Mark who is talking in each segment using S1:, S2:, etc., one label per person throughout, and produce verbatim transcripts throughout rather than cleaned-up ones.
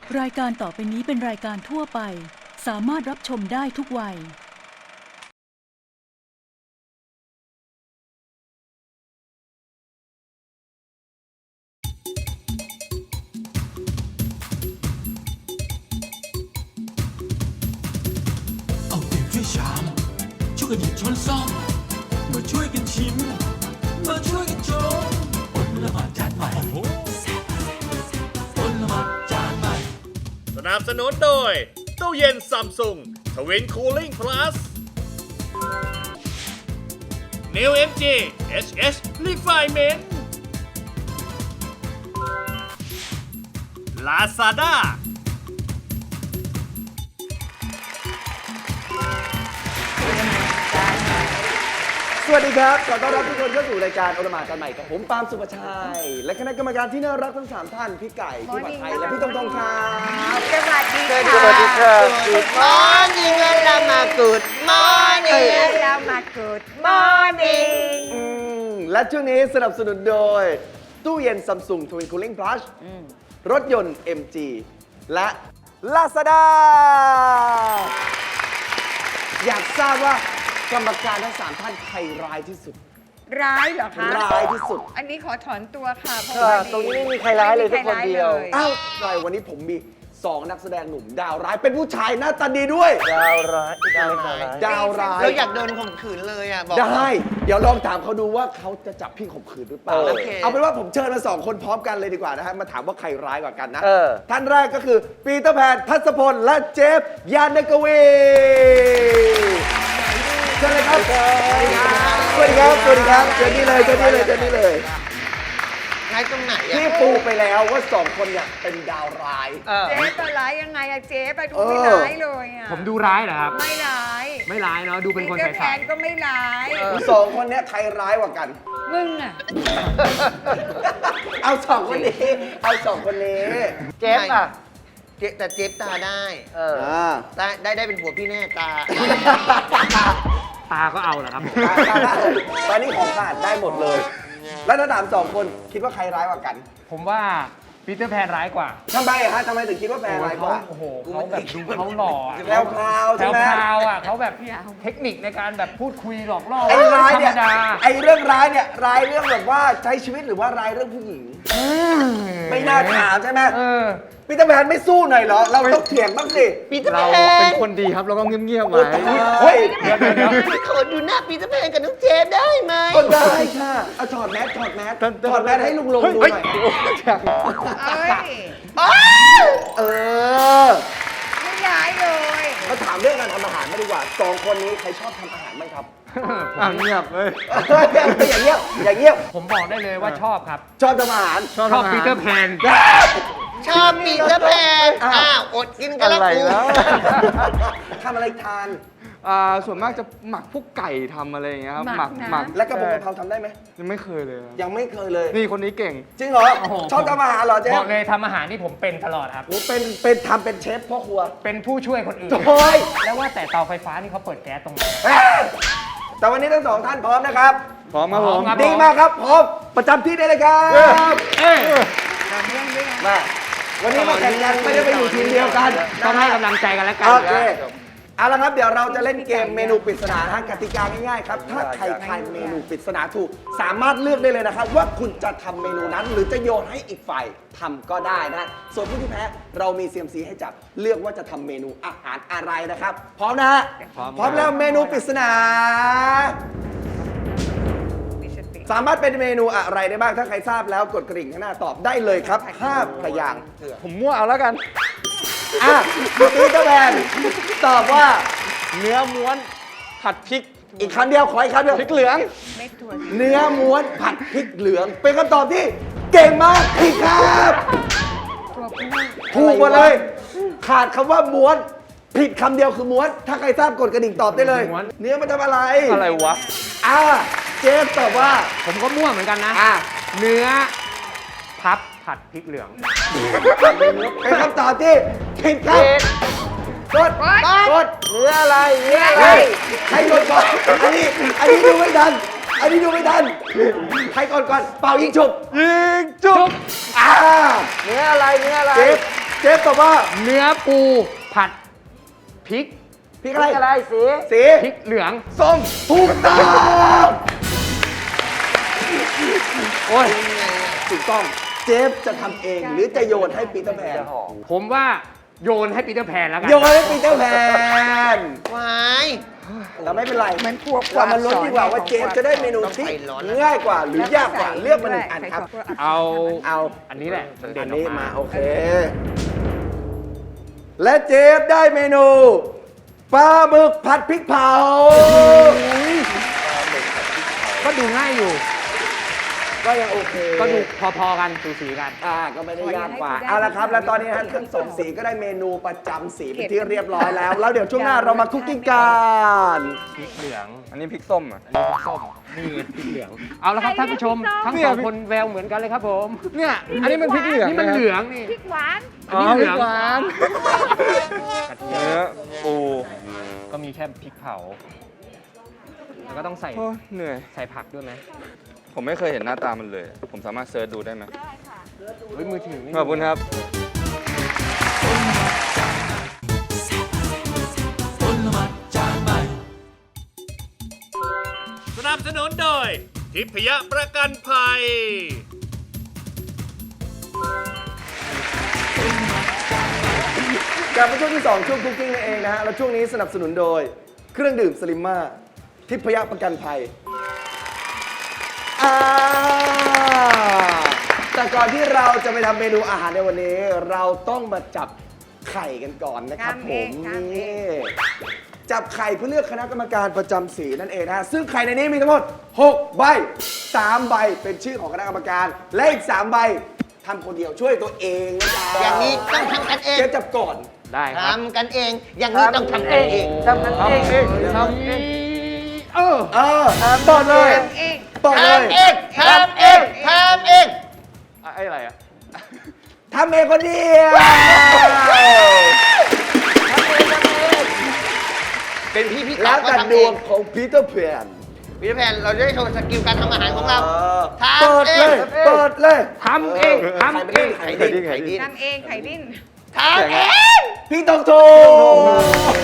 S1: รายการต่อไปนี้เป็นรายการทั่วไปสามารถรับชมได้ทุกวัย
S2: เอาเปรียบช่วยชามช่วยกันหยิบช้อนซ่อมมาช่วยกันชิมมาช่วยกันชมอดละหมาดจานใหม่อดละหมาดจานใหม่
S3: สนับสนุนโดยตู้เย็นซัมซุงทวินคูลิ่งพลัส New เอ็ม จี เอช เอช Refinement Lazada
S4: สวัสดีครับขอต้อนรับทุกคนเข้าสู่รายการโอละหมาดจานใหม่กับผมปาล์มสุภชัยและคณะกรรมการที่น่ารักทั้งสามท่านพี่ไก่พี่ผัดไทยและพี่ตงตงครับ
S5: สวัสดีค่ะ
S4: สวัสดีครับ
S5: Good morning เรามา Good morning เรามา Good morning
S4: อืมและช่วงนี้สนับสนุนโดยตู้เย็นซัมซุงทวินคูลิ่งพลัสรถยนต์ เอ็ม จี และ Lazada อยากทราบว่ากรรมการทั้งสามท่านใครร้ายที่สุด
S5: ร้ายเหรอคะ
S4: ร้ายที่สุด
S5: อันนี้ขอถอนตัวค่ะเพราะ
S4: ค่ะ
S5: ว่า
S4: ตรงนี้ไม่มีใครร้ายเลย
S5: ไม่มี
S4: สักคนเดียว
S5: ใรร้าล
S4: อ้าวใช่วันนี้ผมมีสองนักแสดงหนุ่มดาวร้ายเป็นผู้ชายหน้าตาดีด้วย
S6: ดาวร้ายดาวร้าย
S4: ดาวร้าย
S6: เราอยากโดนข่มขืนเลยอ่ะบอก
S4: ได้ เดี๋ยวลองถามเขาดูว่าเขาจะจับพี่ข่มขืนหรือเปล่า
S6: โอเค
S4: เอาเป็นว่าผมเชิญมาสองคนพร้อมกันเลยดีกว่านะฮะมาถามว่าใครร้ายกว่ากันนะ
S6: เออ
S4: ท่านแรกก็คือปีเตอร์แพนทัศพลและเจฟยานกวีเชิญเลยครับสวัสดีครับสวัสดีครับเจอนี่เลยเจอนี่เลยเจอนี่เลย
S6: ร้ายตรงไหนอ่ะ
S4: พี่ปูไปแล้วว่าสองคนเนี่ยเป็นดาวร้าย
S6: เออ
S5: เจ๊ปะร้ายยังไงอะเจ๊ปะดู
S4: เออ
S5: ไม่ร้ายเลยอะ
S7: ผมดูร้ายเหรอครับ
S5: ไม่ร้าย
S7: ไม่ร้ายเนาะ ดูเป็นคน
S5: ปีตอร์แพ
S7: ใส
S5: นก็ไม่ร้าย
S4: สองคนเนี้ยใครร้ายกว่ากัน
S5: มึงอะ
S4: เอาสองคนนี้ เอาสองคนนี้
S6: เจ๊บอ่ะเจ๊แต่เจ๊บตาได้ เออ
S4: อ่า
S6: ตาได้ได้เป็นผัวพี่แน่ตา
S7: ๆ ตาก็เอาเหรอครับผม
S4: ตอนนี้ของขาดได้หมดเลย แล้วถ้าถามสองคนคิดว่าใครร้ายกว่ากัน
S7: ผมว่าปีเตอร์แพนร้ายกว่า
S4: ทำไมอะฮะทำไมถึงคิดว่าแพรร้ายกว่า
S7: โอ้โหเขาแบบดูเขาหล่ออะ
S4: แพรวพราวใช่ไหม
S7: แพรวๆอ่ะเขาแบบเทคนิคในการแบบพูดคุยหลอกล่อ
S4: ไอ้ร้าย
S7: ธร
S4: เนี่ย
S7: รมดา
S4: ไอ้เรื่องร้ายเนี่ยร้ายเรื่องแบบว่าใช้ชีวิตหรือว่าร้ายเรื่องผู้หญิง ไม่น่าถามใช่ไหม
S7: เออ
S4: ปีเตอร์แพนไม่สู้หน่อยเหรอ เราต้องเถียงบ้างสิ
S6: ปีเตอร์
S7: เรา
S6: แพ
S7: เป็น
S6: น
S7: คนดีครับ เราก็เงียบๆ
S4: โอ้
S7: ไว้
S4: ตายเฮ้ย
S7: เดี๋ยวเดี๋ยวเดี๋ยว
S6: ขอดูหน้าปีเตอร์แพนกับน้องเจ๊บได้ไหม
S4: ก็ได้ค่ะเอาถอดแมสถอดแมสถอดแมสให้ลุงลงดูหน่อย
S5: เอ้ย
S4: เออ
S5: ไม่ร้ายเลย
S4: มาถามเรื่องการทำอาหารมาดีกว่าสองคนนี้ใครชอบทำอาหารบ้างครับ
S7: อ่ะเงียบเลย
S4: อย่างเงี้ยบอย่างเงี้ยบ
S7: ผมบอกได้เลยว่าชอบครับ
S4: ชอบทำอาหาร
S7: ชอบปีเตอร์แพน
S6: ชอบปีเตอร์แพนอ้าวอดกินกันแล้วกู
S4: ทำอะไรทาน
S8: อ่าส่วนมากจะหมักพวกไก่ทำอะไรอย่างเงี้ยครับ
S5: หมักนะ
S8: หมัก
S4: และกระเพรากะเพราทำได้ไหม
S8: ยังไม่เคยเลยครับ
S4: ยังไม่เคยเลย
S8: นี่คนนี้เก่ง
S4: จริงเหรอ
S7: โอ้โห
S4: ชอบทำอาหารเหรอเจ๊
S7: บอกเลยทำอาหารที่ผมเป็นตลอดครับ
S4: โอ้เป็นเป็นทำเป็นเชฟพ่อครัว
S7: เป็นผู้ช่วยคนอื่น
S4: โอ้ย
S7: แล้วว่าแต่เตาไฟฟ้านี่เขาเปิดแก๊สตรงไหน
S4: เอ้ยแต่วันนี้ทั้งสองท่านพร้อมนะครับ
S8: พร้อมครับผม
S7: ครับ
S4: ดีมากครับพร้อมประจำที่ได้เลยครับ
S7: เอ้ย
S5: ทำเรื่องด้วยนะ
S4: มาวันนี้มาแข่งกันไม่ได้ไปอยู่ทีมเดียวกัน
S7: ต้องให้กำลังใจกันแล้วกัน
S4: โอเคเอาละครับเดี๋ยวเราจะเล่นเกมเมนูปริศนานะฮะกติกาง่ายๆครับถ้าใครทายเมนูปริศนาถูกสามารถเลือกได้เลยนะครับว่าคุณจะทำเมนูนั้น หรือจะโยนให้อีกฝ่ายทำก็ได้นะส่วนผู้ที่แพ้เรามี ซี เอ็ม ซี ให้จับเลือกว่าจะทำเมนูอาหารอะไรนะครับพร้อมนะฮะพร้อมแล้วเมนูปริศนา
S5: มีสติ
S4: สามารถเป็นเมนูอะไรได้บ้างถ้าใครทราบแล้วกดกริ่งข้างหน้าตอบได้เลยครับห้าพยางค์
S8: ผมมั่วเอาแล้วกัน
S4: อ่ะปีเตอร์แพนตอบว่า
S8: เนื้อม้วนผัดพริก
S4: อีกคำเดียวขออีกคำเดียว
S8: พริกเหลือง
S5: เม็ดถั่ว
S4: เนื้อม้วนผัดพริกเหลือง เป็นคำตอบที่เก่งมากผิดครับ
S5: ถั่วพู
S4: ถูกหมดเลย ขาดคำว่าม้วน ผิดคำเดียวคือม้วน ถ้าใครทราบกดกระดิ่งตอบได้เลย
S7: ม้วน
S4: เนื้อมันทำอะไร
S8: อะไรวะ
S4: อ่าเจฟตอบว่า
S7: ผมก็มั่วเหมือนกันนะ
S4: อ่า
S7: เนื้อพับผัดพริกเหลือง
S4: เป็นคำตอบที่ผิดครับกดกด
S6: เนื้ออะไรเนื้ออะไร
S4: เฮ้ยใครกดก่อนอันนี้อันนี้ดูไม่ทันอันนี้ดูไม่ทันใครกดก่อนเป่ายิงฉุบ
S8: ยิงจุ๊บ
S4: อ่า
S6: เนื้ออะไรเนื้ออะไร
S4: เจฟเจฟตอบว่า
S7: เนื้อปูผัดพริก
S4: พริกอะไร
S5: อะไรสี
S4: สี
S7: พริกเหลือง
S4: ส้มถูกต้อง
S7: โอ้ย
S4: ถูกต้องเจฟจะทำเองหรือจะโยนให้ปีเตอร์แพน
S7: ผมว่าโยนให้ปีเตอร์แพนแล้วกัน
S4: โยนให้ปีเตอร์แพน
S6: วาย
S4: แต่ไม่เป็นไร
S5: เหมือนพวก
S4: เรามาลุ้นดีกว่าว่าเจฟจะได้เมนูที่ง่ายกว่าหรือยากกว่าเลือกมาหนึ่งอันครับ
S7: เอา
S4: เอา
S7: อันนี้แหละมันเด่
S4: อั
S7: น
S4: น
S7: ออก
S4: นี้
S7: มา
S4: มาโอเค และเจฟได้เมนูปลาหมึกผัดพริกเผา
S7: ก็ดูง่ายอยู่
S4: ก็ยังโอเค
S7: ก็ดูพอๆกันสูสีกัน
S4: อ่าก็ไม่ได้ยากกว่าเอาละครับ แล้วตอนนี้ฮะเครื่องสมสีก็ได้เมนูประจำสีเป็นที่เรียบร้อยแล้ว แล้วเดี๋ยวช่วงหน้าเรามาคุกกิ้งกัน
S7: พริกเหลือง
S8: อันนี้พริกส้มอ่ะ
S7: อันนี้พริกส้มนี่พริกเหลือง เอาละครับท่านผู้ชม ทั้งสองคนแววเหมือนกันเลยครับผม
S8: เนี่ย อันนี้มันพริกเหลือง
S7: นี่มันเหลืองนี่
S9: พริกหวาน
S7: อันนี้เหลือง
S8: หวานเนื้อปู
S7: ก็มีแค่พริกเผา แล้วก็ต้องใส่
S8: โอ้เหนื่อย
S7: ใส่ผักด้วยไหม
S8: ผมไม่เคยเห็นหน้าตามันเลย ผมสามารถเซิร์ชดูได้ไหม
S7: เฮ้ยมือถือนี่
S8: ขอบคุณครับ
S3: สนับสนุนโดย ทิพยประกันภัย
S4: กลับมาช่วงที่สองช่วงคุกกิ้งนั่นเองนะฮะแล้วช่วงนี้สนับสนุนโดย เครื่องดื่มสลิมมาทิพยประกันภัยอ่าแต่ก่อนที่เราจะไปทำเมนูอาหารในวันนี้ เราต้องมาจับไข่กันก่อนนะครับผมนี่จับไข่เพื่อเลือกคณะกรรมการประจำสีนั่นเองนะฮะซึ่งไข่ในนี้มีทั้งหมดหกใบสามใบเป็นชื่อของคณะกรรมการ และอีกสามใบทำคนเดียวช่วยตัวเองนะจ๊ะ
S6: อย่างนี้ต้องทำกันเอง
S4: เจ๊จับก่อน
S7: ได้ครับ
S6: ทำกันเอง อย่างนี้ต้องทำกันเอง
S5: ทำกันเอง
S7: ทำเองเออ
S4: เออต่อเลย
S9: ทำเอง
S4: ต่อเลย
S6: ทำเองทำเองทำเอง
S7: ไอ้อะไรอ่ะ
S4: ทำเองคนเดียว
S6: เป็นพี่พี่
S4: แล้ว
S6: ก็
S4: แต่
S6: ทำ
S4: ด
S6: เอ
S4: วง
S6: ง
S4: ของพีเตอร์แพน
S6: วิทยาแพนเราจะได้โชว์สกิลการทำอาหารของเรา ทำ
S4: เปิด
S6: เอ
S4: เล
S6: ง
S4: ยเปิดเลย
S7: ทำเองทำเอง
S4: ไข่
S6: ไข่
S4: ดิ
S6: ดิ้
S4: น
S6: นไข่ดิ้น
S9: ทำเองไข่ดิ้น
S6: ทำเอง
S4: พี่ตองถูก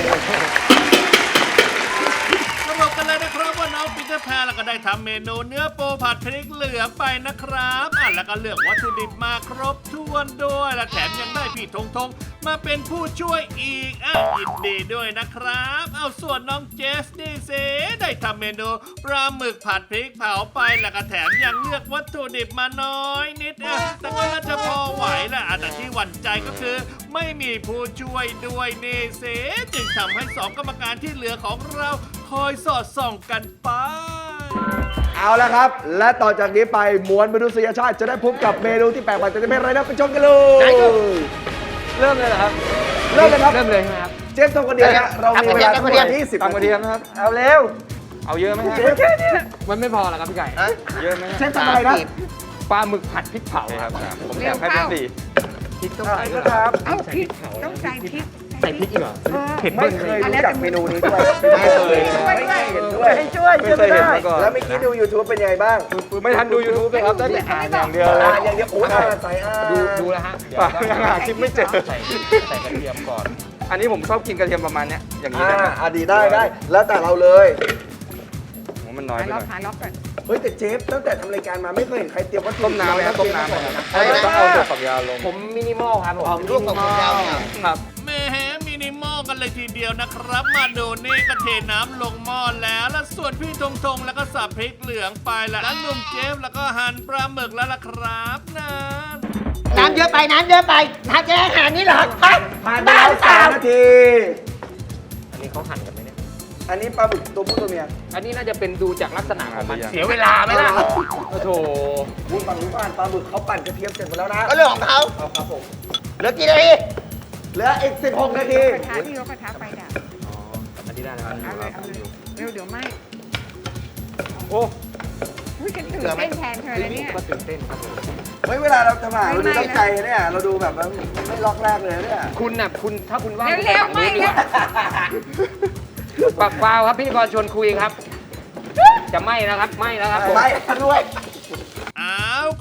S3: สรุปกันเลยนะครับว่าน้องปีเตอร์แพนแล้วก็ได้ทำเมนูเนื้อปูผัดพริกเหลืองไปนะครับอ่ะแล้วก็เลือกวัตถุดิบมาครบถ้วนด้วยและแถมยังได้พี่ทงทงมาเป็นผู้ช่วยอีกอ่ะยินดีด้วยนะครับ เอาส่วนน้องเจสนี่เซได้ทำเมนูปลาหมึกผัดพริกเผาไปแล้วก็แถมยังเลือกวัตถุดิบมาน้อยนิดอ่ะแต่ก็น่าจะพอไหวแหละอ่ะแต่ที่หวั่นใจก็คือ ไม่มีผู้ช่วยด้วยนี่เซจึงทำให้สองกรรมการที่เหลือของเราคอยสอดส่องกันไป
S4: เอาละครับ และต่อจากนี้ไปมวลมนุษยชาติจะได้พบกับเมนูที่แปลกใหม่จะเป็นอะไรนะไปชมกันเลย
S7: เริ่มเลยเหรอครับ
S4: เริ่มเลยครับ
S7: เริ่มเลยใช่ไหมครับ
S4: เจฟทงคนเดียวนะเรามีเวลาทั้งหมดยี่สิบ
S8: ตำกระเทียมนะครับ
S4: เอาเร็ว
S8: เอาเยอะไหมฮะ
S4: เจฟแค่นี้
S7: มันไม่พอหรอครับพี่ไก่
S8: เยอะไหมฮะ
S4: เจฟทำอะไรนะ
S7: ปลาหมึกผัดพริกเผา
S8: โอเค
S7: ค
S8: ค
S7: รั
S8: รั
S7: บบ
S8: ผมแถมให้เป็นสี่
S7: พริกต้อง
S4: อ่ะ
S7: ใส่ด้วย
S4: ครับ
S9: เอ้าพริกต้องใส่พริก
S7: ใส่พริกอีกเหรอเผ็ด
S4: ไม่
S7: เบิ้ล
S4: เค
S7: เลย ย
S4: รู้จักเมนูนี้ด้วย
S8: ไม่เคย
S9: ช่วยด้วย
S4: เห็นด้วยให้ช่วย
S8: ไม่เคยเห็นมาก่อน
S4: แล้วเมื่อกี้ดู YouTube เป็นยังไงบ้าง
S8: ไม่ทันดู YouTube เลยครับได้แต่อ่านอย่างเดียวเลย
S4: อ่าอย่างเดียวโอ้ยอ่านใส่อ่าน
S7: ดูดูแล้วฮะเดี๋ยว
S8: ปากยังหาคลิปไม่เจอ
S7: ใส่ใส่กระเทียมก่อน
S8: อันนี้ผมชอบกินกระเทียมประมาณเนี้ยอย่างนี้
S4: อ่า
S8: ได้ไหม
S4: อ่าดีได้ได้ แล้วแต่เราเลย
S8: ผมว่ามันน้อย
S9: หา
S8: ไปห
S9: ล็
S8: น่
S9: อก
S8: อย
S9: หาล็อกก่อน
S4: เฮ้ยแต่เจฟตั้งแต่ทำรายการมาไม่เคยเห็นใครเตรียมวัตถุ
S8: ต้มน้ำไหมครับต้มน้ำไหมครับต้องเอาตัวฝักยาวลง
S7: ผมมินิมอลครับผม
S6: ร่วมกับผมยาวเนี่ย
S8: ครับ
S3: แหม่มินิมอลกันเลยทีเดียวนะครับ มาดูนี่ก็เทน้ำลงหม้อแล้ว แล้วส่วนพี่ทงทงแล้วก็สับพริกเหลืองไปแล้วแล้วหนุ่มเจฟแล้วก็หั่นปลาหมึกแล้วล่ะครับนั่น
S6: น้ำเยอะไปน้ำเยอะไปถ้าจะอาหารนี่เหรอครับ
S4: ผ่านไปแล้วสามนาที
S7: อันนี้เขาหั่นกันไหมเนี่ย
S4: อันนี้ปลาบึกตัวผู้ตัวเมีย
S7: อันนี้น่าจะเป็นดูจากลักษณะของมัน
S8: อ่า
S7: เสียเวลาไหมล่ะโอ้โถ
S4: คุณฝั่งนู้นผ่านปลาบึกเขาปั่นกระเทียมเสร็จหมดแล้วนะ
S6: ก็เรื่องของเขา
S4: เอาครับผม
S6: เหลือกี่นาที
S4: เหลืออีกสิบหกนาที
S9: กระทะที่เขากระทะไฟดับ
S7: อันนี้ได้แล้ว
S9: เอาเลยเอาเลยเร็วเดี๋ยวไหม
S8: โอ้
S9: อุ้ยฉันตื่นเต้นแทนเธอเลยเนี่ย
S7: ก็ตื่นเต้นครับผม
S4: เฮ้ยเวลาเราทำอาหารเราดู
S9: ไม่
S4: ตั้ง
S9: นะ
S4: ใจเนี่ย เราดูแบบว่าไม่ล็อกแรกเลยเนี่ย
S7: คุณน่ะคุณถ้าคุณว่าง
S9: เร็วๆ
S7: คุณปฝั่งนู้นดีกว่า
S9: ไม่
S7: ปักฟาวครับพิธีกรชวนคุยครับ จะไม่นะครับไม่แล้วครับผม
S4: ไม่ด้วย
S3: อ้าว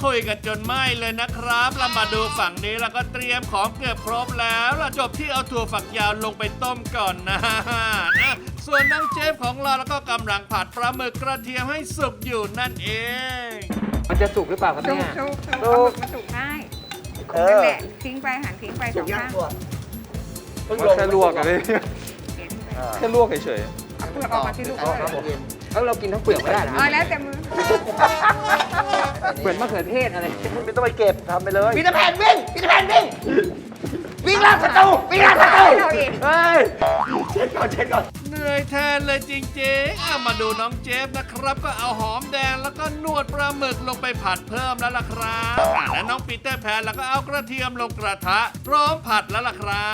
S3: คุยกันจนไหม้เลยนะครับเรามาดูฝั่งนี้แล้วก็เตรียมของเกือบครบแล้วเราจบที่เอาถั่วฝักยาวลงไปต้มก่อนนะอ่ะส่วนน้องเจฟของเราแล้วก็กำลังผัดปลาหมึกกระเทียมให้สุกอยู่นั่นเอง
S7: มันจะสุกหรือเปล่าครับ
S9: สุก
S7: เนี่ย
S9: สุกสุกปลาหมึกมันสุกง่ายคนนั่นแหละทิ้งไปหันทิ้งไปส
S4: สุ
S9: อก ง
S4: ย่าง
S9: ข้าง
S4: ตัว
S8: มันแค่ลวกอะพี่
S9: เห็นไหม
S8: แค่ลวกเฉย
S9: เอาเปลือกออกมาที่ลูก
S6: ครับผม
S7: แล้วเรากินทั้งเปลือกไม่ได้นะ
S9: อ๋อแล้วแต่มือ
S7: เหมือนมะเขือเทศอะไร
S4: ไม่ต้องไปเก็บทำไปเลย
S6: พีเตอร์แพนวิ่งพีเตอร์แพนวิ่งวิ่งล่าศัตรูวิ่งล่าศัตรู
S9: เราเอง
S4: เฮ้ย เช็ดก่อนเช็ดก่อน
S3: เหนื่อยแทนเลยจริงๆเอามาดูน้องเจฟนะครับ ก็เอาหอมแดงแล้วก็นวดปลาหมึกลงไปผัดเพิ่มแล้วล่ะครับอ่ะและน้องปีเตอร์แพนแล้วก็เอากระเทียมลงกระทะพร้อมผัดแล้วล่ะครับ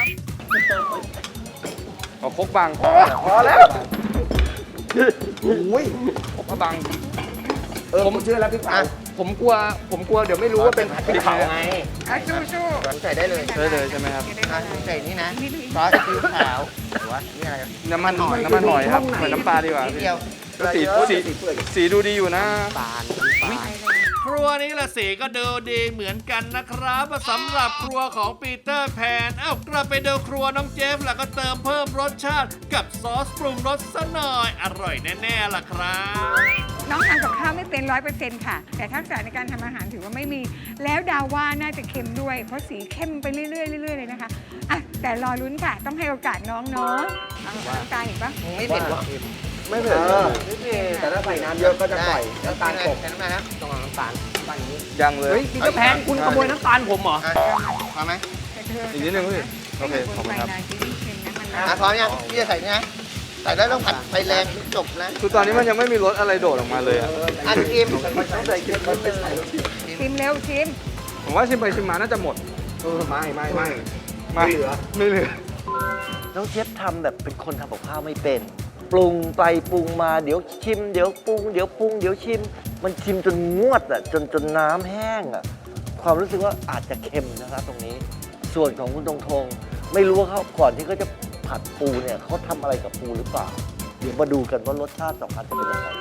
S8: ๆเอาครกบัง
S4: พอแล้วโอ้ย
S8: ครกบัง
S4: เออผมเชื่อแล้วพี่ป๋า
S7: ผมกลัวผมกลัวเดี๋ยวไม่รู้ว่าเป็นผัดพริกเผาไง
S9: เอาสู้สู้
S6: ใส่ได้เลย
S8: ได้เลยใช่ไหมครับ
S6: อ่ะใส่นี่นะซอสซีอิ๊วขาวหรือว่านี่อะไร
S8: น้ำมันน้ำมันหอยครับเหมือนน้ำปลาดีกว่า
S6: นิด
S8: พี่
S6: เดียว
S8: ก็สีสีสีดูดีอยู่นะ
S3: ครัวนี้ละสีก็ดูดีเหมือนกันนะครับสำหรับครัวของปีเตอร์แพนเอ้ากลับไปดูครัวน้องเจฟแล้วก็เติมเพิ่มรสชาติกับซอสปรุงรสซะหน่อยอร่อยแน่ๆล่ะครับ
S9: น้องทำกับข้าวไม่เป็นร้อยเปอร์เซ็นต์ค่ะ แต่ทักษะในการทำอาหารถือว่าไม่มี แล้วดาวว่าน่าจะเค็มด้วย เพราะสีเข้มไปเรื่อยๆเรื่อยๆเลยนะคะอ่ะแต่รอลุ้นค่ะ ต้องให้โอกาสน้องเนาะเอาน้ำตาลเห็นปะ
S6: ไม่เผ็ดหรอ
S4: ไม่เผ็ดไม่เผ็ดแต่ถ้าใส่น้ำเยอะก็จะปล่อยน้ำตาลกบ
S6: ใส่น้ำตาลนะ
S7: ต้องเอาน้ำตาลบ้านนี้
S8: ยังเลย
S7: เฮ้ยปีเตอร์แพนคุณขโมยน้ำตาลผมเหรอ
S6: อ่ะพอไหม
S9: แต่เธอ
S8: อีกนิดนึงพี่โอเคขอบคุณครับ
S9: ไฟนานจะยิ่งเค็มนะมัน
S6: อ่ะพร้อมยังพี่จะใส่นี่นะใส่แล้วต้องผัดไฟแรงจบนะ
S8: คือตอนนี้มันยังไม่มีรสอะไรโดดออกมาเลยอะ
S6: อันกิม
S4: ต้องใส่เกลือมันเป็นใส่รสดี
S9: ชิมเร็วชิม
S8: ผมว่าชิมไปชิมมาน่าจะหมด
S4: เออไม่ไม่ไม่
S8: ไม่เหลือไม่เหลือ
S10: น้องเจี๊ยบทำแบบเป็นคนทำกับข้าวไม่เป็น ปรุงไปปรุงมาเดี๋ยวชิม เดี๋ยวปรุงเดี๋ยวปรุงเดี๋ยวชิม มันชิมจนงวดอ่ะจนจนน้ำแห้งอ่ะความรู้สึกว่าอาจจะเค็มนะครับตรงนี้ ส่วนของคุณตรงทงไม่รู้ว่าเขาก่อนที่เขาจะผัดปูเนี่ยเขาทำอะไรกับปูหรือเปล่า เดี๋ยวมาดูกันว่ารสชาติสองอันจะเป็นยังไง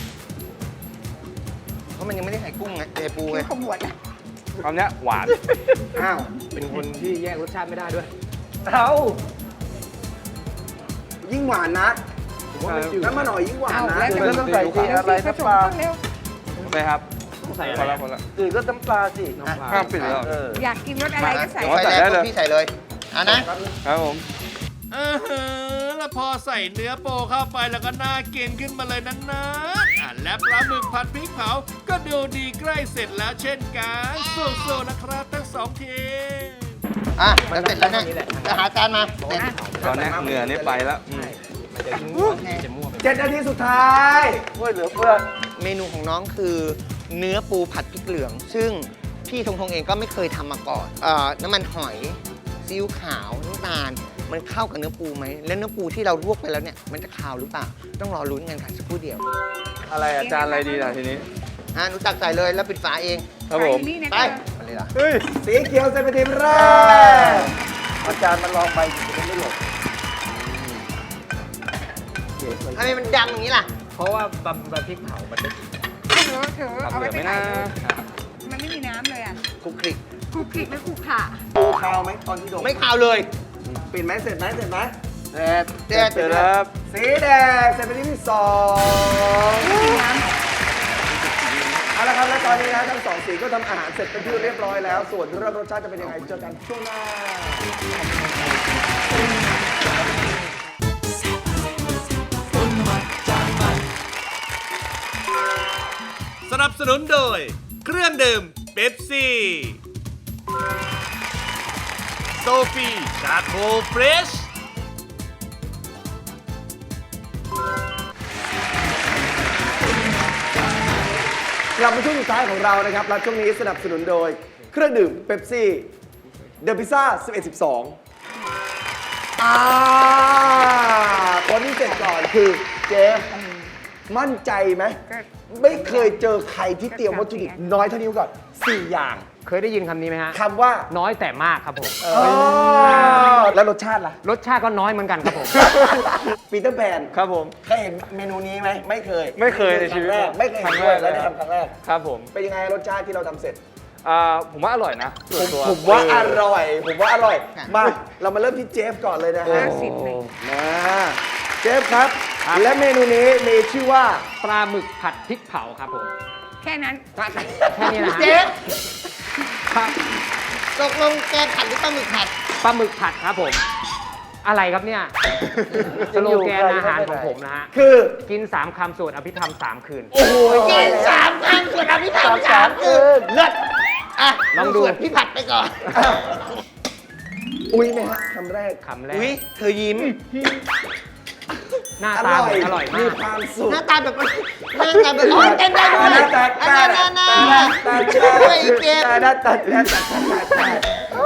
S6: เพราะมันยังไม่ได้ใส่กุ้งไงใส่ปูไง
S9: ขมวดนะ
S8: คำเนี้ยหวาน
S4: อ้าว
S7: เป็นคนที่แยกรสชาติไม่ได้ด้วย
S4: เอายิ่งหวานนะน้ำมันหอยยิ่งหวาน
S9: เอา
S4: นะ
S9: แล้ว
S4: คือก็ต้องใส่ทีอะไร
S9: ผส
S4: น้ำ
S9: ม
S4: ปลา
S9: เร็ว
S8: ไปครับ
S7: ต้องใส่
S8: พ
S7: อะ
S8: อ
S7: ไร
S8: ละพอละ
S10: คือก็น้ำปลาสิ
S8: ข้ามปิดแล้ว
S10: เออ
S9: อยากกินรสอะไรก็ใส่
S8: อ๋อ
S6: ไฟ
S8: ใส่
S6: แรง
S8: ได้เลย
S6: พี่ใส่เลยอ่ะนะ
S8: ครับผม
S3: เออหือแล้วพอใส่เนื้อโปเข้าไปแล้วก็น่ากินขึ้นมาเลยนั้นนะอ่ะและปลาหมึกผัดพริกเผา ก็ดูดีใกล้เสร็จแล้วเช่นกันสู้ๆนะครับทั้งสองทีม
S6: อ่ะจะเสร็จแล้วนะจะหาจานมาเสร็จ
S8: ตอนนี้เหงื่อนี่ไปแล้วอืม
S7: มันจะมั่วจะมั่วไป
S4: เจ็ดนาทีสุดท้ายเพื่อเหลือเพื่อ
S6: เมนูของน้องคือเนื้อปูผัดพริกเหลือง ซึ่งพี่ทงทงเองก็ไม่เคยทำมาก่อนเอ่อน้ำมันหอยซีอิ๊วขาวน้ำตาลมันเข้ากับเนื้อปูไหมแล้วเนื้อปูที่เราลวกไปแล้วเนี่ยมันจะคาวหรือเปล่าต้องรอลุ้นกันค่ะสักครู่เดียว
S8: อะไรอาจารย์อะไรดีล่ะทีนี้
S6: อ่ะหนูตักใส่เลยแล้วปิดฝาเอง
S8: ครับผม
S9: นี่นะ
S6: ไป
S9: คะ
S6: มาเลยล่ะ
S8: เฮ้ย
S4: สีเขียวเซนเป็นทีมแรก
S10: อาจารย์มันลองไปจะไม่หลบ
S6: ทำไมมันดำอย่างนี้ล่ะ
S7: เพราะว่าบำบำพริกเผามันจะ
S9: เธอเธอ
S8: ทำ
S9: เอา
S8: เห
S9: ไว้
S8: ลือ
S9: ไป
S8: ไหม
S9: ไหน
S8: นะ
S9: มันไม่มีน้ำเลยอ่ะ
S6: คลุกคลิก
S9: คลุกคลิกไม่คลุกขะ
S4: ปูคาวไหมตอนที่ดม
S6: ไม่คาวเลย
S4: ปิดไหมเสร็จไหมเสร็จไหม
S6: เด็ด
S8: เสร็จแล้วครับ
S4: สีแดงเซนเป็นทีมที่สอง
S9: ไม่มีน้
S4: เอาละครับและตอนนี้นะทั้งสองสีก็ทำอาหารเสร็จเป็นที่เรียบร้อยแล้ว ส่วนเรื่องรสชาติจะเป็นยังไงเจอกันช่วงหน้า
S3: สนับสนุนโดย เครื่องดื่มเป๊ปซี่ โซฟีชาโคเฟรช
S4: กลับมาช่วงสุดท้ายของเรานะครับและช่วงนี้สนับสนุนโดย เครื่องดื่มเป๊ปซี่เดอะพิซซ่าสิบเอ็ด สิบสองอ่าคนที่เสร็จก่อนคือเจฟมั่นใจไหม
S9: ำก็
S4: ไม่เคยเจอใครที่เตรียมวัตถุดิบน้อยเท่านี้มาก่อนสี่อย่าง
S7: เคยได้ยินคำนี้ไหมฮะ
S4: คำว่า
S7: น้อยแต่มากครับผม
S4: อ๋อแล้วรสชาติล่ะ
S7: รสชาติก็น้อยเหมือนกันครับผม
S4: ปีเตอร์แพน
S8: ครับผม
S4: เคยเห็นเมนูนี้ไหมไม่เคย
S8: ไม่เคยในชีวิต
S4: ครั้งแรกไม่เคย
S8: ครั้
S4: เห็น
S8: ง
S4: ด้วย
S8: แรก
S4: แล้วได้ทำครั้งแรก
S8: ครับผม
S4: เป็นยังไงรสชาติที่เราทำเสร็จ
S8: อ่าผมว่าอร่อยนะส่วนตัว
S4: ผมว่าอร่อย ผมว่าอร่อย
S6: ค่ะ
S4: มา เรามาเริ่มที่เจฟก่อนเลยนะฮะ
S9: ห้าสิบเลย
S4: มาเจฟครับ
S7: ครับ
S4: และเมนูนี้มีชื่อว่า
S7: ปลาหมึกผัดพริกเผาครับผม
S9: แค่นั้น
S7: แค่นี้นะฮะ
S6: เจ๊
S7: ครับ
S6: ตกลงแกผัดหรือปลาหมึกผัด
S7: ปลาหมึกผัดครับผม อะไรครับเนี่ยสโลแกนอาหารของผมนะฮะ
S4: คือ
S7: กินสามคำสวดอภิธรรมสามคืน
S4: โอ้โห
S6: กินสามครั้งส่วนอภิธรรมสามคืนเลิศอ่ะ
S7: ลองดู
S6: ส่วนพี่ผัดไปก่อน
S4: อุ้ยไหมฮะคำแรก
S7: คำแรก
S6: อุ้ยเธอยิ้ม
S7: หน้า
S4: อ
S7: ตา
S4: ร่อย
S7: อร่อยมา
S4: มี
S7: ก
S4: ความสุข
S6: หน้าตาแบบหน้าตาแบบโอ้ยเต้นได้ด้วย
S4: หน้าตา
S6: อันนั้นน่ะน่ะด้วยอีเกม
S4: หน้าตาหน้าตาหน้าตา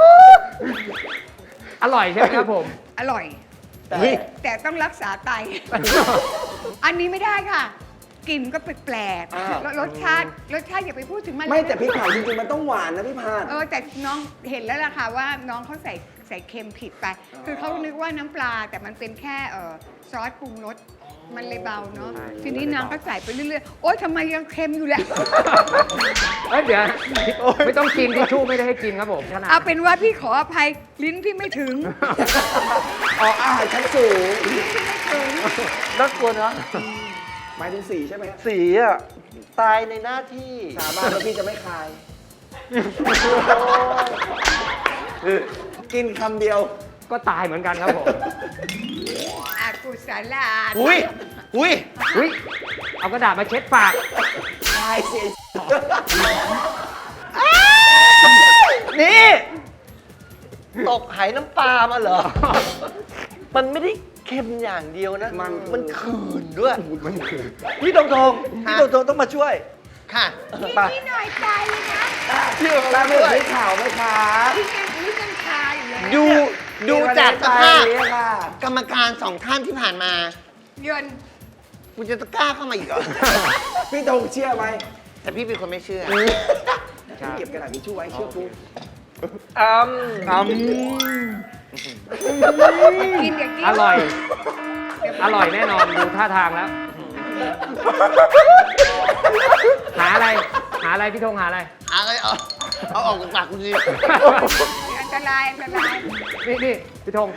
S7: อร่อยใช่ไหมครับผม
S9: อร่อย
S4: แต่
S9: แต่ต้องรักษาไต อันนี้ไม่ได้ค่ะ กลิ่นก็แปลก
S4: อ้าว
S9: ๆแล้วรสชาติรสชาติอย่าไปพูดถึงมันเลย
S4: ไม่แต่พี่ผ่านจริงๆมันต้องหวานนะพี่ผ่าน
S9: เออแต่น้องเห็นแล้วล่ะค่ะว่าน้องเขาใส่ใส่เค็มผิดไป คือเขานึกว่าน้ำปลาแต่มันเป็นแค่เออซอสปรุงรสมันเลยเบาเนาะ
S7: ใช่
S9: ทีนี้น้องก็ใส่ไปเรื่อยๆโอ๊ยทำไมยังเค็มอยู่แหละ
S7: เอ้ยเดี๋ยวไม่ต้องกินทิชชู่ไม่ได้ให้กินครับผมขนาด
S9: เอาเป็นว่าพี่ขออภัยลิ้นพี่ไม่ถึง
S4: ออกอาหารชั้นสูง
S10: น่ากลัวนะ
S4: หมายถึงสีใช่ไหมฮะ
S10: สีอ่ะ ตายในหน้าที่
S4: สาบานว่าพี่จะไม่คาย กินคำเดียว
S7: ก็ตายเหมือนกันครับผม
S9: อากุศลา
S6: อุ้ยอุ้ย
S7: อุ้ยเอากระดาษมาเช็ดปาก
S4: คายเสีย
S10: นี่ ตกไหน้ำปลามาเหรอ มันไม่ได้เค็มอย่างเดียวนะ
S4: มัน
S10: มันขืนด้วย มันขืนพี่ตรงทงพี่ตรงทงต้องมาช่วย
S6: ค่ะ
S10: ไป
S9: พี่หน่อยใจเลยนะ
S10: พี่เอา
S4: ตา
S10: มา
S4: ไม่
S10: ช่วย
S4: ได้ข่าวไหมคะ
S9: พี่ยังพี่ยังคาอยู่เลย
S6: ดูดูจากสภาพ
S4: เรียกค่ะ
S6: กรรมการสองท่านที่ผ่านมา
S9: ยนต์
S6: กูจะกล้าเข้ามาอีกเหรอ
S4: พี่ธงเชื่อไหม
S6: แต่พี่เป็นคนไม่เชื่อ
S4: พี่เก็บกระดาษทิชชู่ไว้เชื่อกู
S10: อืมอืม
S9: กินอย่ากิน
S7: อร่อย อร่อยแน่นอนดูท่าทางแล้ว หาอะไร หาอะไรพี่ธงหาอะไร
S6: อะไรเอาเอาออกจากปากกูสิ
S9: อันตรายอันตราย
S7: นี่นี่พี่ธง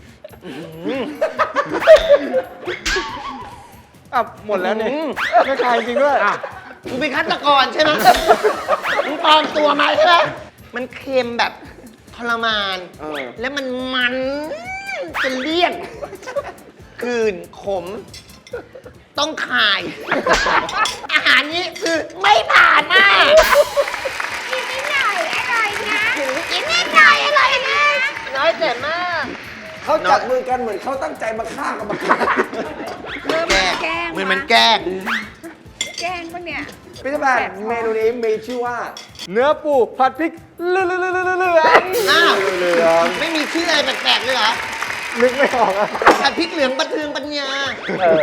S8: อ่ะหมดแล้วเนี่ยไม่คายจริงด้วย
S7: อ่ะ
S6: มึงเป็นฆาตกรใช่ไหมมึงปลอมตัวมาใช่ไหมมันเค็มแบบทรมาน
S4: เออ
S6: แล้วมันมันจะเลี่ยนคืนขม ต้องคาย อาหารนี้คือไม่ผ่านมาก
S9: กินนิดหน่อยอร่อยนะกินนิดหน่อยอร่อยนะ
S6: น้อยแต่มาก
S4: เขาจับมือกันเหมือนเขาตั้งใจมาฆ่ากันมาฆ่า
S9: เริ่ม
S6: แกล้ง
S9: แกล้ง
S6: เหมือนมันแกล้ง
S9: แกล้งปะเนี่ย
S4: พี่ธแพนเมนูนี้มีชื่อว่า
S8: เนื้อปูผัดพริกเหลือง
S6: อ้าว ไม่มีชื่ออะไรแปลกๆเลยเหรอ
S8: นึกไม่ออกอะ
S6: ผัดพริกเหลืองบันเทืองปัญญา
S10: เออ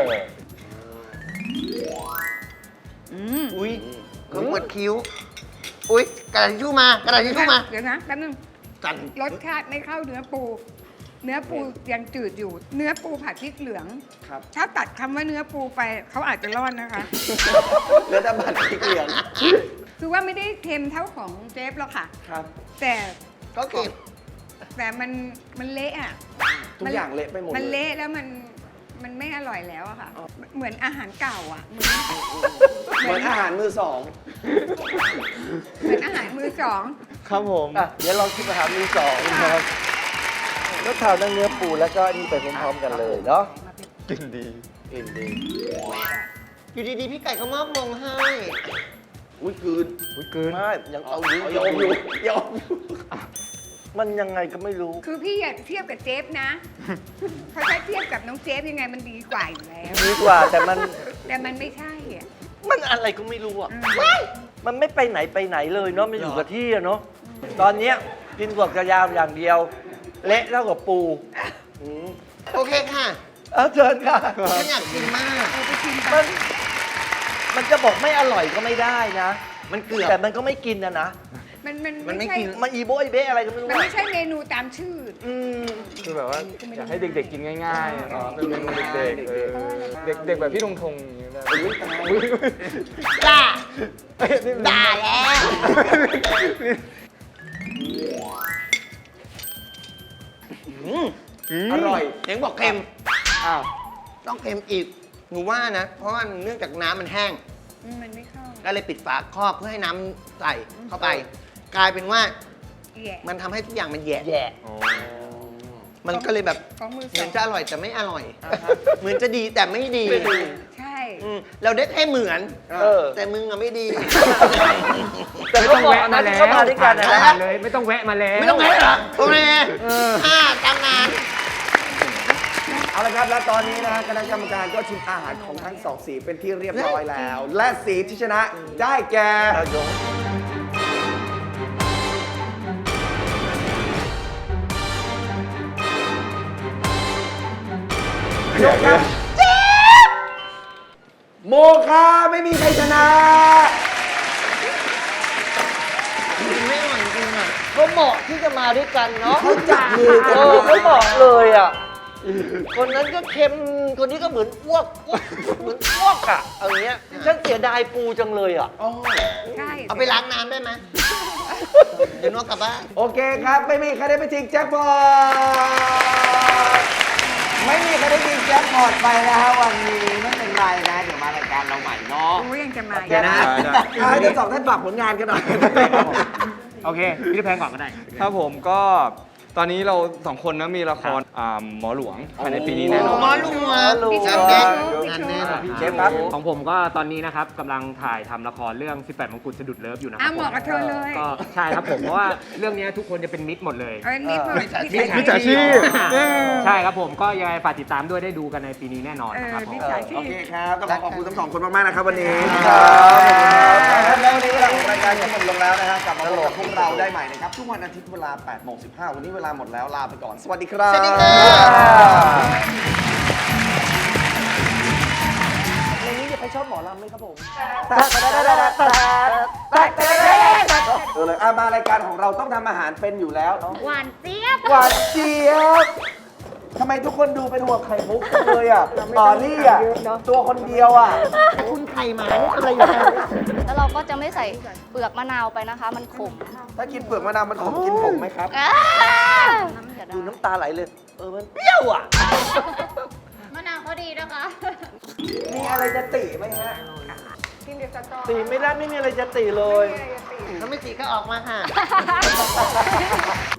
S6: อุ้ยขมวดคิ้ว อุ้ยกระดาษทิชชู่มากระดาษทิชชู่มา
S9: เดี๋ยวนะแป๊บนึง
S6: กัน
S9: รสชาติไม่เข้าเนื้อปู เนื้อปูยังจืดอยู่ เนื้อปูผัดพริกเหลือง
S4: ครับ
S9: ถ้าตัดคำว่าเนื้อปูไปเขาอาจจะรอดนะคะ
S4: เนื้อตะบัดพริกเหลือง
S9: คือว่าไม่ได้เค็มเท่าของเจฟหรอกค่ะ
S4: ครับ
S9: แต่
S6: ก็เก็บ
S9: แต่มันมันเละอ่ะ
S4: ทุกอย่างเละไปหมด
S9: มัน
S4: เลย
S9: เละแล้วมันมันไม่อร่อยแล้วอะค่ะ เหมือนอาหารเก่าอ่ะ เหมือน
S4: เหมือนอาหารมือสอง
S9: เหมือนอาหารมือสอง
S8: ครับผม
S10: อ่ะ เดี๋ยวลองคิดมาหามือสองนะครับก็ทานทั้งเนื้อปูแล้วก็อันนี่ไปพร้อมๆกันเลยเนาะ
S8: กินดี
S10: กินดี
S6: อยู่ดีๆ พี่ไก่เขามอบมงให้
S4: อุ้ยคืน
S7: อุ้ยเกิน
S10: ไม่ยังเอาอยู่
S4: ยอมอยู่ยอมอยู่
S10: มันยังไงก็ไม่รู้
S9: คือพี่อย่าเทียบกับเจฟนะ เพราะถ้าเทียบกับน้องเจฟยังไงมันดีกว่าอยู่แล้ว
S10: ดีกว่าแต่มัน
S9: แต่มันไม่ใช่อ่ะ
S10: มันอะไรก็ไม่รู้อ่ะ
S9: อืม
S10: มันไม่ไปไหนไปไหนเลยเนาะมันอยู่กับที่อะเนาะตอนเนี้ยกินกวกกระยาวอย่างเดียว เละเท่ากับปูอืม
S6: โอเคค่ะ
S10: เออเชิญค่ะ
S6: ฉันอยากกินมาก
S9: เอาไปชิมไป
S10: มันมันจะบอกไม่อร่อยก็ไม่ได้นะ
S6: มันเกือบ
S10: แต่มันก็ไม่กินนะนะ
S9: มันมัน
S6: มันไม่
S9: ใช่
S6: กิน
S10: มันอีโบอีเบะอะไรก็ไม่รู้
S9: มัน
S10: อะ
S9: ไม่ใช่เมนูตามชื่อ
S8: คือแบบว่าอยากให้เด็กๆกินง่ายๆอ๋อเป็นเมนูเด็กๆเออเด็กเด็กแบบพี่ธงธงอย่างเงี้ยได้อุ๊ย
S5: ด่า
S8: เอ้ยนี่มัน
S5: ด่าแล้ว
S4: อร่อย
S6: เห็นบอกเค็ม
S8: อ้าว
S6: ต้องเค็มอีก หนูว่านะ เพราะว่าเนื่องจากน้ำมันแห้ง
S9: มันไม่เข้า
S6: ก็เลยปิดฝาครอบเพื่อให้น้ำใส่เข้าไป กลายเป็นว่า
S9: แย่
S6: มันทำให้ทุกอย่างมันแย่
S10: แย่
S6: มันก็เลยแบบ
S9: ของมือ
S6: เห
S9: ส
S6: มื
S9: อ
S6: อน
S9: ง
S6: จะอร่อยแต่ไม่อร่อย เหมือนจะดีแต่ไม่ดี
S9: ใช่
S6: อืมเราได้แค่เหมือน
S10: เออ
S6: แต่มึงอะไม่ดี
S10: แต่
S7: ไม่
S10: ก็
S7: ต้อง
S10: บอก
S7: แวะ
S10: นะ
S7: มา
S10: ที่
S7: แล้ว
S10: เข้ามาด้วยกันนะ
S7: ผ่านเลยไม่ต้องแวะมาแล้ว
S6: ไม่ต้องแพ้หรอโอเคห้าตามงาน
S4: เอาละครับ และตอนนี้นะฮะคณะกรรมการก็ชิมอาหารของทั้งสองสีเป็นที่เรียบร้อยแล้ว และสีที่ชนะได้แก่ยกครับโมคาไม่มีใครชนะ
S6: ไม่อร่อยจริงอ่ะ
S10: ก็เหมาะที่จะมาด้วยกันเนาะ
S4: เขาจับมือกัน
S10: เออไม่เหมาะเลยอ่ะ คนนั้นก็เค็ม คนนี้ก็เหมือนอ้วกอ้วกเหมือนอ้วกอ่ะเอาอย่างเงี้ยฉันเสียดายปูจังเลยอ่ะ
S9: ใช่
S6: เอาไปล้างน้ำได้ไหมเดี๋ยวนกกลับบ้าน
S4: โอเคครับ ไม่มีใครได้ไปชิงแจ็คพอตไม่มีใครได้ชิงแจ็คพอตไปนะฮะวันนี้ไม่เป็นไรนะเดี๋ยวมารายการเราใหม่เนาะ
S9: โอ้ยยังจะมา
S7: เดี๋ยวนะ
S4: อ่าเดี๋ยวสองท่านฝากผลงานกันหน่อย
S7: โอเค พี่ได้แพงก่อนก็ได้
S8: ครับผมก็ตอนนี้เราสองคนนะมีละครอ่าหมอหลวงภายในปีนี้แน่นอน
S6: หมอหลวง
S10: หมอหลวง
S6: งานแน่นงานแน่น
S4: เชฟครับ
S7: ของผมก็ตอนนี้นะครับกำลังถ่ายทำละครเรื่อง สิบแปด มงกุฎสะดุดเลิฟอยู่นะครั
S9: อ่ะ
S7: บ
S9: เหมาะกับเธอเลย
S7: ก็ใช่ครับผม เพราะว่าเรื่องนี้ทุกคนจะเป็นมิตรหมดเลย
S9: เออนิดหน่อย
S8: มิจฉาชีพ
S7: ใช่ครับผมก็ยังไงฝากติดตามด้วยได้ดูกันในปีนี้แน่นอน
S9: เอ
S7: นะครับ
S9: อ
S7: ผม
S9: มิจฉาชี
S4: โอ
S9: พ
S4: เคครับ ต้องขอขอบคุณทั้งสองคนมากๆนะครับวันนี้
S10: ครับ
S4: แล้ววันนี้เวลาของรายการก็หมดลงแล้วนะฮะกลับมาพบกับพวกเราได้ใหม่นะครับ ทุกวันอาทิตย์เวลาแปดโมงสิบห้าวันนี้เวลาหมดแล้วลาไปก่อน สวัสดีครับ
S6: สวัสดีค่ะ
S10: ในนี้จะใครชอบหมอลำไหมครับผม
S4: เออเลยอ่ะมารายการของเราต้องทำอาหารเป็นอยู่แล้ว
S5: หวานเจี๊ยบ
S4: หวานเจี๊ยบทำไมทุกคนดูเป็นห่วงไข่มุกจังเลยอ่ะต่อรี่อ่ะตัวคนเดียวอ่ะ
S6: คุณไข่หมานี่อะไรอยู่แล้ว
S11: แล้วเราก็จะไม่ใส่เปลือกมะนาวไปนะคะ มันขม
S4: ถ้ากินเปลือกมะนาวมันขมกินผมไหมครับ
S11: อ่าเดี๋ยว
S10: ดู
S11: นะ
S10: น้ำตาไหลเลย เออ มันเปรี้ยวอ่ะ
S11: มะนาวเขาดีนะคะ
S4: มีอะไรจะติไหมฮะ
S9: กินเดี๋ยวสตอ
S10: ตีไม่ได้ไม่มีอะไรจะตีเลย
S6: ถ้าไม่ตีก็ออกมาค่ะ